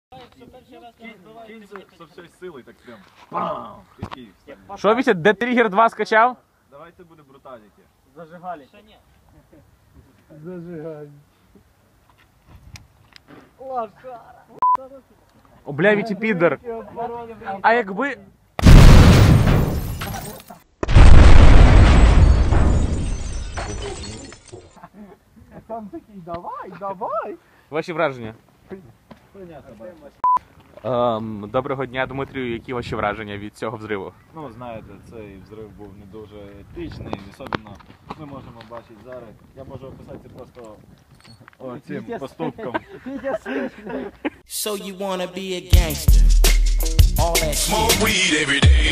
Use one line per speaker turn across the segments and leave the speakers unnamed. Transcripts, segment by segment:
Кинь со всієї сили, так прям. Бам!
Що, Вітя, Dead Trigger 2 скачав?
Давайте буде бруталіті.
Зажигали. Ще ні.
Зажигай.
Лошара.
О, бля, Вітя, підер. А якби...
Сам такий, давай.
Ваші враження? Доброго дня, Дмитрію. Які ваші враження від цього взриву?
Ну, знаєте, цей взрив був не дуже етичний, особливо ми можемо бачити зараз. Я можу описати це просто цим поступком.
So you wanna be a gangster? All that shit. Smoke weed every day.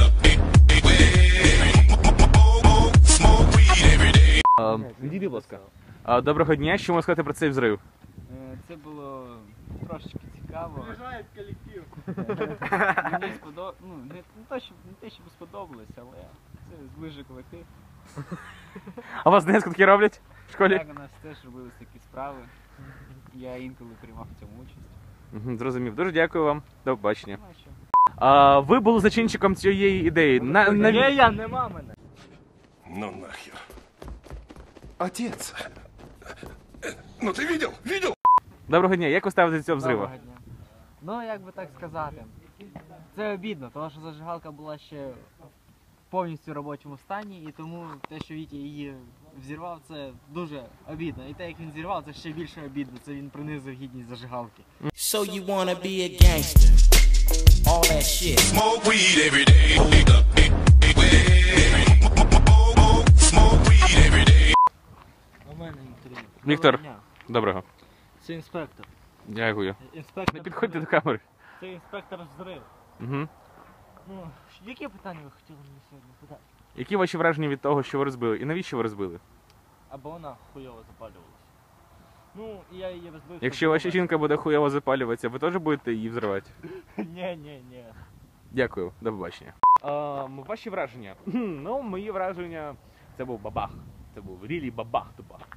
Smoke weed every day.
Відійди, будь ласка. Доброго дня, що можна сказати про цей взрив?
Це було трошечки цікаво.
Вважає колектив.
Мені сподобалось, ну не те, щоб сподобалось, але це зближує колектив.
А у вас десь такі роблять в школі?
Так, у нас теж робились такі справи. Я інколи приймав в цьому участь.
Зрозумів. Дуже дякую вам. До побачення.
Ну, а що?
Ви були зачинщиком цієї ідеї.
Я, нема мене.
Ну нахер. Отец. Ну ты видел? Видел?
Доброго дня, як ви ставитесь до цього взриву?
Доброго дня. Ну, як би так сказати, це обідно, тому що зажигалка була ще повністю в робочому стані, і тому те, що Вітя її взірвав, це дуже обідно. І те, як він зірвав, це ще більше обідно, це він принизив гідність зажигалки.
So you wanna be a gangster? All that shit.
Smoke weed every day. Smoke weed every day.
У мене інтерв'ю.
Віктор.
Доброго дня.
Доброго.
Це інспектор.
Дякую.
Інспектор.
Не підходьте до камери.
Це інспектор взрив.
Угу.
Ну, які питання ви хотіли мені сьогодні задати?
Які ваші враження від того, що ви розбили? І навіщо ви розбили?
Або вона хуйово запалювалася. Ну, і я її розбив.
Якщо ваша жінка буде хуйово запалюватися, ви теж будете її взривати?
Ні.
Дякую, до побачення. Ваші враження? Ну, мої враження, це був бабах. Це був рілі бабах-тубах.